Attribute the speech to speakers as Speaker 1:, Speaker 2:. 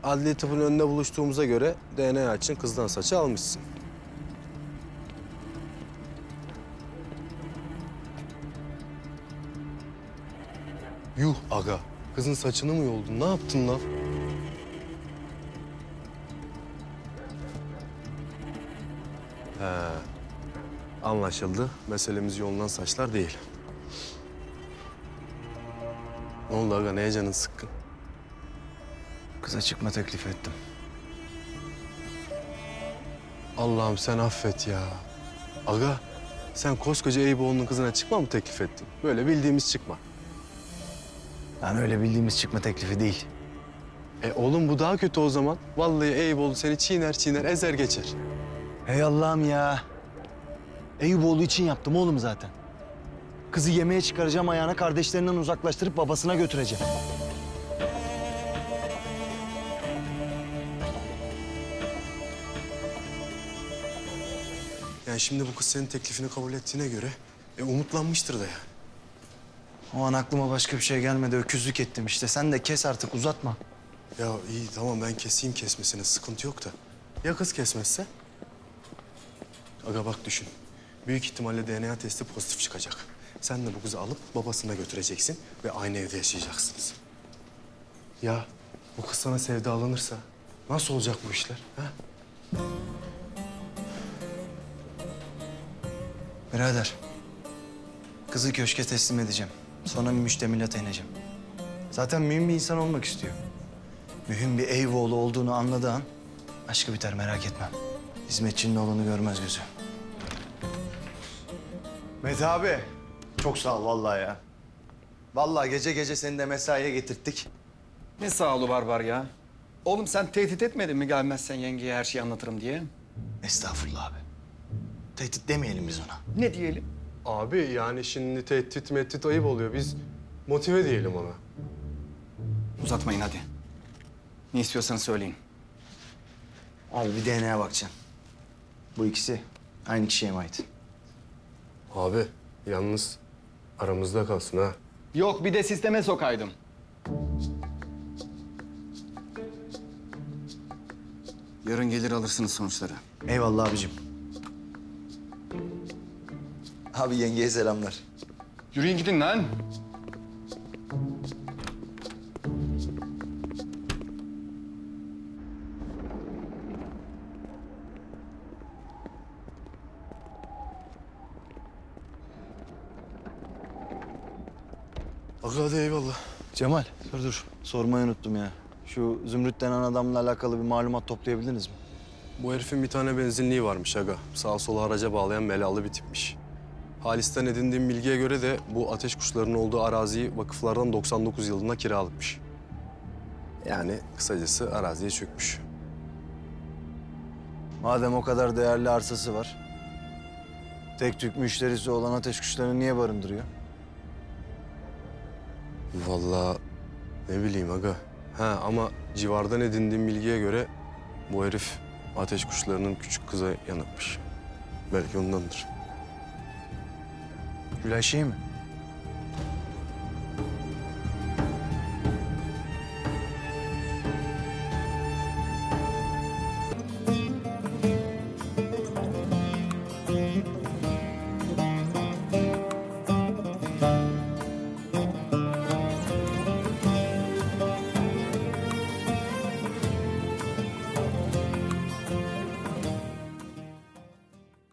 Speaker 1: Adli tıpın önünde buluştuğumuza göre DNA için kızdan saçı almışsın. Yuh aga. Kızın saçını mı yoldun? Ne yaptın lan? He. Anlaşıldı. Meselemiz yolunan saçlar değil. Ne oldu aga? Neye canın sıkkın?
Speaker 2: Kıza çıkma teklif ettim.
Speaker 1: Allah'ım sen affet ya. Aga, sen koskoca Eyüboğlu'nun kızına çıkma mı teklif ettin? Böyle bildiğimiz çıkma.
Speaker 2: Yani öyle bildiğimiz çıkma teklifi değil.
Speaker 1: Oğlum bu daha kötü o zaman. Vallahi Eyüboğlu seni çiğner çiğner ezer geçer.
Speaker 2: Hey Allah'ım ya. Eyüboğlu için yaptım oğlum zaten. Kızı yemeğe çıkaracağım, ayağına kardeşlerinden uzaklaştırıp babasına götüreceğim.
Speaker 1: Yani şimdi bu kız senin teklifini kabul ettiğine göre umutlanmıştır da ya.
Speaker 2: O an aklıma başka bir şey gelmedi. Öküzlük ettim işte. Sen de kes artık, uzatma.
Speaker 1: Ya iyi tamam ben keseyim kesmesine sıkıntı yok da. Ya kız kesmezse? Aga bak düşün. Büyük ihtimalle DNA testi pozitif çıkacak. Sen de bu kızı alıp babasına götüreceksin ve aynı evde yaşayacaksınız. Ya bu kız sana sevdalanırsa nasıl olacak bu işler? Ha?
Speaker 2: Birader, kızı köşke teslim edeceğim. Sonra bir müştemilata ineceğim. Zaten mühim bir insan olmak istiyor. Mühim bir Eyüboğlu olduğunu anladığı an aşkı biter, merak etme. Hizmetçinin oğlunu görmez gözü. Mete abi, çok sağ ol vallahi ya. Vallahi gece gece seni de mesaiye getirttik.
Speaker 3: Ne sağ olu Barbar ya. Oğlum sen tehdit etmedin mi gelmezsen yengeye her şeyi anlatırım diye?
Speaker 2: Estağfurullah abi. Tehdit demeyelim biz ona.
Speaker 3: Ne diyelim?
Speaker 1: Abi yani şimdi tehdit mehdit ayıp oluyor. Biz motive diyelim ona.
Speaker 3: Uzatmayın hadi. Ne istiyorsanız söyleyin.
Speaker 2: Abi bir DNA'ya bakacaksın. Bu ikisi aynı kişiye mi ait?
Speaker 1: Abi yalnız aramızda kalsın ha.
Speaker 3: Yok bir de sisteme sokaydım. Yarın gelir alırsınız sonuçları.
Speaker 2: Eyvallah abicim. Abi yengeye selamlar.
Speaker 3: Yürüyün gidin lan.
Speaker 1: Aga hadi eyvallah.
Speaker 2: Cemal, dur. Sormayı unuttum ya. Şu Zümrüt denen adamla alakalı bir malumat toplayabildiniz mi?
Speaker 1: Bu herifin bir tane benzinliği varmış aga. Sağa sola araca bağlayan belalı bir tipmiş. Halis'ten edindiğim bilgiye göre de bu ateş kuşlarının olduğu araziyi vakıflardan 99 yılında kiralıkmış. Yani kısacası araziye çökmüş.
Speaker 2: Madem o kadar değerli arsası var, tek tük müşterisi olan ateş kuşlarını niye barındırıyor?
Speaker 1: Vallahi ne bileyim aga. Ha ama civardan edindiğim bilgiye göre bu herif ateş kuşlarının küçük kıza yanıkmış. Belki ondandır.
Speaker 2: Gülay şey mi?